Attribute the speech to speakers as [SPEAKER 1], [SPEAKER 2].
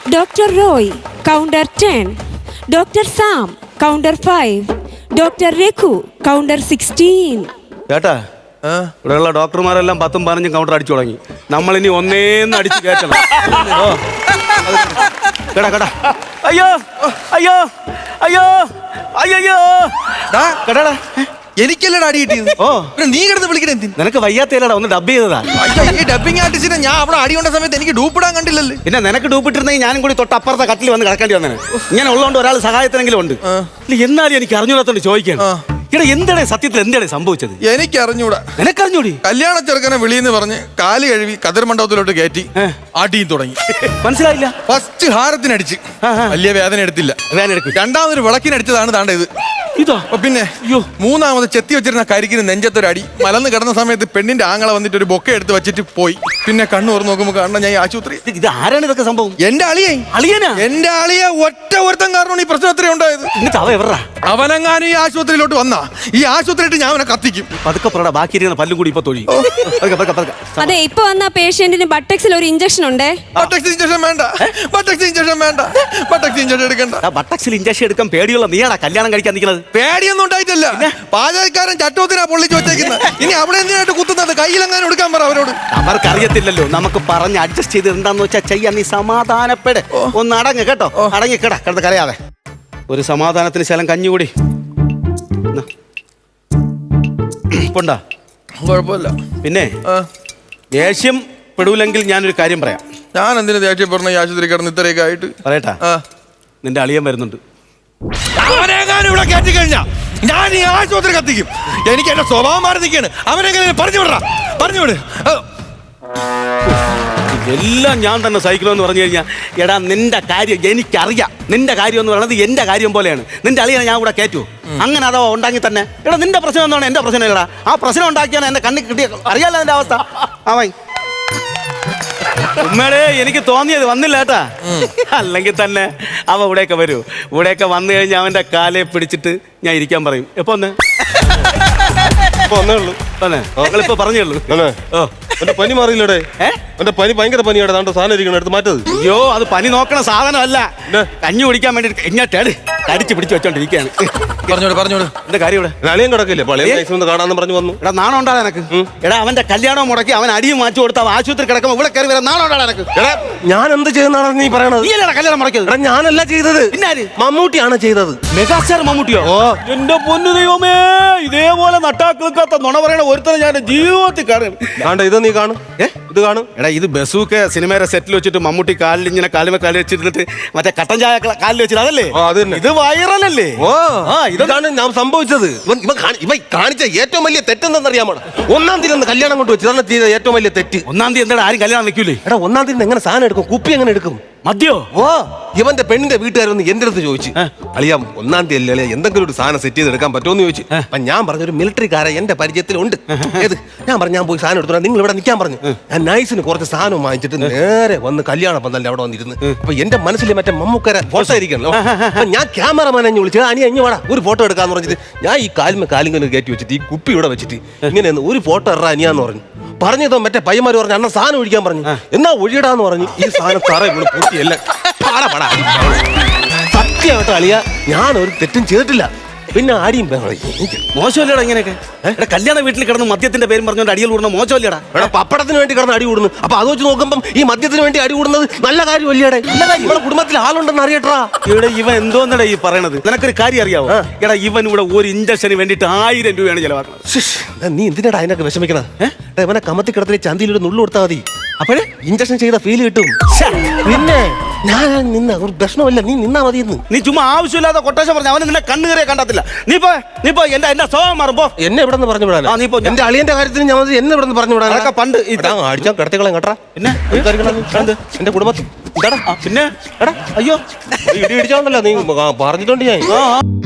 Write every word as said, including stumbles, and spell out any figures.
[SPEAKER 1] Doctor Roy, counter ten. Doctor Sam, counter five. Doctor Reku, counter sixteen.
[SPEAKER 2] കേട്ടാ ഇവിടെയുള്ള ഡോക്ടർമാരെല്ലാം പത്തും പതിനഞ്ചും കൗണ്ടർ അടിച്ചു തുടങ്ങി. നമ്മളിനി ഒന്നേന്ന് അടിച്ച് കയറ്റണം. കേടാ കേടാ അയ്യോ അയ്യോ അയ്യോ അയ്യോ കേട്ടാടാ
[SPEAKER 3] എനിക്കല്ലടാ അടി കിട്ടിയത്.
[SPEAKER 2] ഓ
[SPEAKER 3] നീ കിടന്ന് വിളിക്കണേ എന്തിന്?
[SPEAKER 2] നിനക്ക് വയ്യാത്തേലടാ ഒന്ന് ഡബ് ചെയ്തതാ.
[SPEAKER 3] ഈ ഡബിങ് ആർട്ടിസ്റ്റിനെ ഞാൻ അവിടെ അടി കൊണ്ട സമയത്ത് എനിക്ക് ഡൂപ്പിടാൻ കണ്ടില്ലല്ലേ.
[SPEAKER 2] പിന്നെ നിനക്ക് ഡൂപ്പിട്ടിരുന്നെങ്കിൽ ഞാനും കൂടി തൊട്ട് അപ്പുറത്തെ കട്ടിൽ വന്ന് കിടക്കേണ്ടി വന്നേ. ഇങ്ങനെ ഉള്ളതുകൊണ്ട് ഒരാൾ സഹായത്തിനെങ്കിലും ഉണ്ട്. എന്നാലും എനിക്ക് അറിഞ്ഞൂടാത്തോണ്ട് ചോദിക്കണം, ഇവിടെ എന്താണ് സത്യത്തിൽ എന്താണ് സംഭവിച്ചത്?
[SPEAKER 3] എനിക്ക് അറിഞ്ഞൂടാ.
[SPEAKER 2] നിനക്കറിഞ്ഞൂടി?
[SPEAKER 3] കല്യാണ ചെറുക്കനെ വിളിയെന്ന് പറഞ്ഞ് കാല് കഴുകി കതിർ മണ്ഡപത്തിലോട്ട് കയറ്റി അടിയും തുടങ്ങി.
[SPEAKER 2] മനസ്സിലായില്ല?
[SPEAKER 3] ഫസ്റ്റ് ഹാരത്തിനടിച്ച് വലിയ വേദന എടുത്തില്ല.
[SPEAKER 2] വേദന എടുക്കും.
[SPEAKER 3] രണ്ടാമതൊരു വിളക്കിനടിച്ചതാണ് താണ്ട ഇത്.
[SPEAKER 2] ഇതോ
[SPEAKER 3] പിന്നെ മൂന്നാമത് ചെത്തി വെച്ചിരുന്ന കരിക്കിന് നെഞ്ചത്തൊരു അടി. മലന്ന് കിടന്ന സമയത്ത് പെണ്ണിന്റെ ആങ്ങളെ വന്നിട്ട് ഒരു ബൊക്കെ എടുത്ത് വെച്ചിട്ട് പോയി. പിന്നെ കണ്ണു തുറന്ന് നോക്കുമ്പോ കാണണം ഞാൻ ആശുപത്രി.
[SPEAKER 2] ഇത് ആരാണ് ഇതൊക്കെ സംഭവം?
[SPEAKER 3] എന്റെ അളിയെ.
[SPEAKER 2] അളിയനാ? എന്റെ
[SPEAKER 3] അളിയെ ഒറ്റ ഒരുത്തം കാരണമാണ് ഈ പ്രശ്നം അത്രയും ഉണ്ടായത്. അവനെങ്ങാനും ഈ ആശുപത്രിയിലോട്ട് വന്നാ ഈ ആശുപത്രിയിട്ട് ഞാൻ അവനെ കത്തിക്കും.
[SPEAKER 2] പതുക്കെ പറടാ, ബാക്കി ഇരിക്കുന്ന പല്ലും കൂടി ഇപ്പൊ തൊഴി.
[SPEAKER 1] അതെ, ഇപ്പൊ വന്ന പേഷ്യന്റിന് ബട്ടക്സിൽ ഒരു ഇഞ്ചക്ഷൻ ഉണ്ട്.
[SPEAKER 3] ബട്ടക്സ് ഇഞ്ചക്ഷൻ വേണ്ട, ബട്ടക്സ് ഇഞ്ചക്ഷൻ വേണ്ട, ബട്ടക്സ് ഇഞ്ചക്ഷൻ എടുക്കണ്ട.
[SPEAKER 2] ബട്ടക്സിൽ ഇഞ്ചക്ഷൻ എടുക്കാൻ പേടിയുള്ള നീയാടാ കല്യാണം കഴിക്കാൻ നിൽക്കുന്നത്.
[SPEAKER 3] പേടിയൊന്നും ഉണ്ടായിട്ടില്ല. പാചകക്കാരൻ ചട്ടോത്തിനാ പൊള്ളിച്ച് വെച്ചേക്കുന്നത്. ഇനി അവിടെ എന്തിനായിട്ട് കുത്തുന്നത്? കയ്യിലെങ്ങാനും എടുക്കാൻ പറ അവരോട്.
[SPEAKER 2] അവർക്കറിയത്തില്ലല്ലോ, നമുക്ക് പറഞ്ഞ് അഡ്ജസ്റ്റ് ചെയ്ത് എന്താന്ന് വെച്ചാൽ ചെയ്യാൻ. നീ സമാധാനപ്പെട്, ഒന്ന് അടങ്ങ് കേട്ടോ. അടങ്ങിക്കട കിടന്ന് കരയാതെ. ഒരു സമാധാനത്തിന് ശലം കഞ്ഞുകൂടി ഉണ്ടാ.
[SPEAKER 3] കുഴപ്പമില്ല.
[SPEAKER 2] പിന്നെ ദേഷ്യം പെടൂലെങ്കിൽ ഞാനൊരു കാര്യം പറയാം.
[SPEAKER 3] ഞാൻ എന്തിനു ദേഷ്യപ്പെടുന്ന ഈ ആശുപത്രി കിടന്ന് ഇത്രയൊക്കെ ആയിട്ട്?
[SPEAKER 2] പറയട്ടാ, നിന്റെ അളിയൻ വരുന്നുണ്ട്.
[SPEAKER 3] അവനെങ്ങാനും ഇവിടെ കയറ്റി കഴിഞ്ഞാ ഞാൻ ഈ ആശുപത്രി കത്തിക്കും. എനിക്ക് എന്റെ സ്വഭാവം മാറി നിൽക്കാണ്. അവനെങ്ങനെ പറഞ്ഞു വിടറ, പറഞ്ഞു വിട്.
[SPEAKER 2] എല്ലാം ഞാൻ തന്നെ സഹിക്കണമെന്ന് പറഞ്ഞു കഴിഞ്ഞാൽ, എടാ നിന്റെ കാര്യം എനിക്കറിയാം. നിന്റെ കാര്യം എന്ന് പറയുന്നത് എന്റെ കാര്യം പോലെയാണ്. നിന്റെ അളിയനെ ഞാൻ ഇവിടെ കയറ്റൂ. അങ്ങനെ അഥവാ ഉണ്ടാക്കി തന്നെ എടാ നിന്റെ പ്രശ്നം എന്താണ് എന്റെ പ്രശ്നം ഇല്ലടാ. ആ പ്രശ്നം ഉണ്ടാക്കിയാണ് എന്റെ കണ്ണിൽ കിട്ടിയ അറിയാലോ എന്റെ അവസ്ഥ. അവൻ ഉമ്മയുടെ എനിക്ക് തോന്നിയത് വന്നില്ല കേട്ടാ. അല്ലെങ്കിൽ തന്നെ അവ ഇവിടെയൊക്കെ വരൂ. ഇവിടെയൊക്കെ വന്നു കഴിഞ്ഞാൽ അവന്റെ കാലെ പിടിച്ചിട്ട് ഞാൻ ഇരിക്കാൻ പറയും. എപ്പോ ഒന്ന് ഇപ്പൊ പറഞ്ഞേ ഉള്ളൂ. ഓ
[SPEAKER 4] എന്റെ പനി മാറിയില്ലടെ. എന്റെ പനി ഭയങ്കര പനിയാണ്. താണ്ട സാധനം ഇരിക്കണം, എടുത്ത് മാറ്റത്.
[SPEAKER 2] അയ്യോ, അത് പനി നോക്കണ സാധനമല്ല, കഞ്ഞി കുടിക്കാൻ വേണ്ടി എങ്ങോട്ടാണ് കടിച്ച് പിടിച്ച് വെച്ചോണ്ടിരിക്കുകയാണ്.
[SPEAKER 3] പറഞ്ഞോട് പറഞ്ഞോട്
[SPEAKER 2] എന്റെ കാര്യം ഇവിടെ
[SPEAKER 4] അളിയൻ കിടക്കില്ലേ? പള്ളിയിൽ കാണാന്ന് പറഞ്ഞു വന്നു.
[SPEAKER 2] എടാ നാണം ഉണ്ടാ എനക്ക്? എടാ അവന്റെ കല്യാണം മുടക്കി അവൻ അടിയും മാറ്റി കൊടുത്ത ആശുപത്രി കിടക്കുമ്പോൾ ഇവിടെ കയറി വരാൻ നാണം ഉണ്ടാ എനക്ക്?
[SPEAKER 4] എടാ ഞാൻ എന്ത് ചെയ്യുന്നതാണ് നീ പറയണത്?
[SPEAKER 2] നീ അല്ലടാ കല്യാണം മുടക്കിയത്.
[SPEAKER 4] എടാ ഞാനല്ല ചെയ്തത്, മമ്മൂട്ടിയാണ് ചെയ്തത്.
[SPEAKER 2] മെഗാസ്റ്റാർ മമ്മൂട്ടിയോ? എന്റെ പൊന്നു ദൈവമേ, ഇതേപോലെ നട്ടാക്കിൾക്കാത്ത നുണ പറയണ ഒരുത്തനെ ഞാൻ ജീവിതത്തിൽ കാണും.
[SPEAKER 4] കാണ്ട ഇത് നീ കാണും, ഇത് കാണും.
[SPEAKER 2] എടാ ഇത് ബസൂക്കെ സിനിമയുടെ സെറ്റിൽ വെച്ചിട്ട് മമ്മൂട്ടി കാലിൽ ഇങ്ങനെ കാലുമേ കാലിൽ വെച്ചിരുന്നിട്ട് മറ്റേ കട്ടൻ ചായ കാലിൽ വെച്ചിട്ട് അതല്ലേ? ഇത് വൈറലല്ലേ?
[SPEAKER 4] ഓ ഇതാണ് ഞാൻ സംഭവിച്ചത്. ഇവ കാണിച്ച ഏറ്റവും വലിയ തെറ്റെന്തെന്നറിയാമോ? ഒന്നാം തീയതി കല്യാണം കൊണ്ട് വെച്ചു. ഇതാണ് ചെയ്ത ഏറ്റവും വലിയ തെറ്റ്.
[SPEAKER 2] ഒന്നാം തീയതി എന്താ ആരും കല്യാണം വെക്കൂലേ?
[SPEAKER 4] എടാ ഒന്നാം തീയതി എങ്ങനെ സാധനം എടുക്കും? കുപ്പി എങ്ങനെ എടുക്കും?
[SPEAKER 2] മദ്യോ?
[SPEAKER 4] ഓ ഇവന്റെ പെണ്ണിന്റെ വീട്ടുകാരൊന്ന് എന്റെ അടുത്ത് ചോദിച്ചു, അളിയാം ഒന്നാം തീയതി അല്ലേ എന്തെങ്കിലും ഒരു സാധനം സെറ്റ് ചെയ്ത് എടുക്കാൻ പറ്റുമെന്ന് ചോദിച്ചു. അപ്പൊ ഞാൻ പറഞ്ഞു ഒരു മിലിറ്ററിക്കാരെ എന്റെ പരിചയത്തിലുണ്ട്. ഏത് ഞാൻ പറഞ്ഞു ഞാൻ പോയി സാധനം എടുത്തു, നിങ്ങൾ ഇവിടെ നിൽക്കാൻ പറഞ്ഞു. ഞാൻ നൈസിന് കുറച്ച് സാധനം വാങ്ങിച്ചിട്ട് നേരെ വന്ന് കല്യാണ പന്തലിന്റെ അവിടെ വന്നിരുന്നു. അപ്പൊ എന്റെ മനസ്സിൽ മറ്റേ മമ്മൂക്കര ഫോട്ടോ ഇരിക്കണല്ലോ. അപ്പൊ ഞാൻ ക്യാമറമാനെ വിളിച്ചു, അനി അഞ്ഞു വേടാ ഒരു ഫോട്ടോ എടുക്കാന്ന് പറഞ്ഞിട്ട് ഞാൻ ഈ കാലിമ കാലിങ്ങനെ കയറ്റി വെച്ചിട്ട് ഈ കുപ്പി ഇവിടെ വെച്ചിട്ട് ഇങ്ങനെ ഒരു ഫോട്ടോ ഇറാ അനിയാന്ന് പറഞ്ഞു. പറഞ്ഞതോ മറ്റേ പയ്യന്മാര് പറഞ്ഞു അണ്ണ സാധനം ഒഴിക്കാൻ പറഞ്ഞു. എന്നാ ഒഴിയിടാന്ന് പറഞ്ഞു. ഈ സാധനം തറ ഇവിടെ പൂട്ടിയല്ല. സത്യമായിട്ട് അളിയ ഞാൻ ഒരു തെറ്റും ചെയ്തിട്ടില്ല. പിന്നെ ആടിയും
[SPEAKER 2] മോശമല്ലേടാ ഇങ്ങനെയൊക്കെ? കല്യാണ വീട്ടിൽ കിടന്ന് മദ്യത്തിന്റെ പേരും പറഞ്ഞുകൊണ്ട് അടിയിൽ കൂടുന്ന മോശമല്ലേടാ?
[SPEAKER 4] എടാ പപ്പടത്തിന് വേണ്ടി കിടന്ന് അടി കൂടുന്നു. അപ്പൊ അത് വെച്ച് നോക്കുമ്പം ഈ മദ്യത്തിന് വേണ്ടി അടി കൂടുന്നത് നല്ല കാര്യമല്ലേടെ? ഇവിടെ കുടുംബത്തിൽ ആളുണ്ടെന്ന് അറിയട്ടാ.
[SPEAKER 2] ഇവിടെ ഇവൻ എന്തോന്നടാ ഈ പറയണത്? നിനക്കൊരു കാര്യം അറിയാവോ? എടാ ഇവൻ ഇവിടെ ഒരു ഇഞ്ചക്ഷന് വേണ്ടിട്ട് ആയിരം രൂപയാണ് ചെലവാക്കുന്നത്.
[SPEAKER 4] നീ എന്തിനാടാ അതിനൊക്കെ വിഷമിക്കണത്? ഇവനെ കമത്തി കിടത്തിലെ ചന്തിയിൽ ഒരു നുള്ളു കൊടുത്താൽ മതി. അപ്പോഴേ ഇഞ്ചക്ഷൻ ചെയ്ത ഫീൽ കിട്ടും. പിന്നെ ഞാൻ നിന്ന ഒരു പ്രശ്നമല്ല, നീ നിന്നാ മതി.
[SPEAKER 2] നീ ചുമ്മാ ആവശ്യമില്ലാതെ കൊട്ടേഷൻ പറഞ്ഞു അവന് നിന്നെ കണ്ണുകറിയെ കണ്ടത്തില്ല. നീ പോ നീ പോ എന്റെ എന്റെ സ്വഭാവം മാറുമ്പോ
[SPEAKER 4] എന്നെ ഇവിടെ നിന്ന് പറഞ്ഞു വിടാൻ. നീ പോ എന്റെ അളിയന്റെ കാര്യത്തിന് ഞാൻ എന്നെ ഇവിടെ നിന്ന് പറഞ്ഞു വിടാൻ.
[SPEAKER 2] അതൊക്കെ പണ്ട്
[SPEAKER 4] അടിച്ചാൽ കിടത്തികളെ കേട്ടാ. പിന്നെ എന്റെ കുടുംബത്തിൽ
[SPEAKER 2] പിന്നെ എടാ അയ്യോ
[SPEAKER 4] ഇടി ഇടിച്ചോണ്ടല്ലോ നീ പറഞ്ഞിട്ടുണ്ട് ഞാൻ.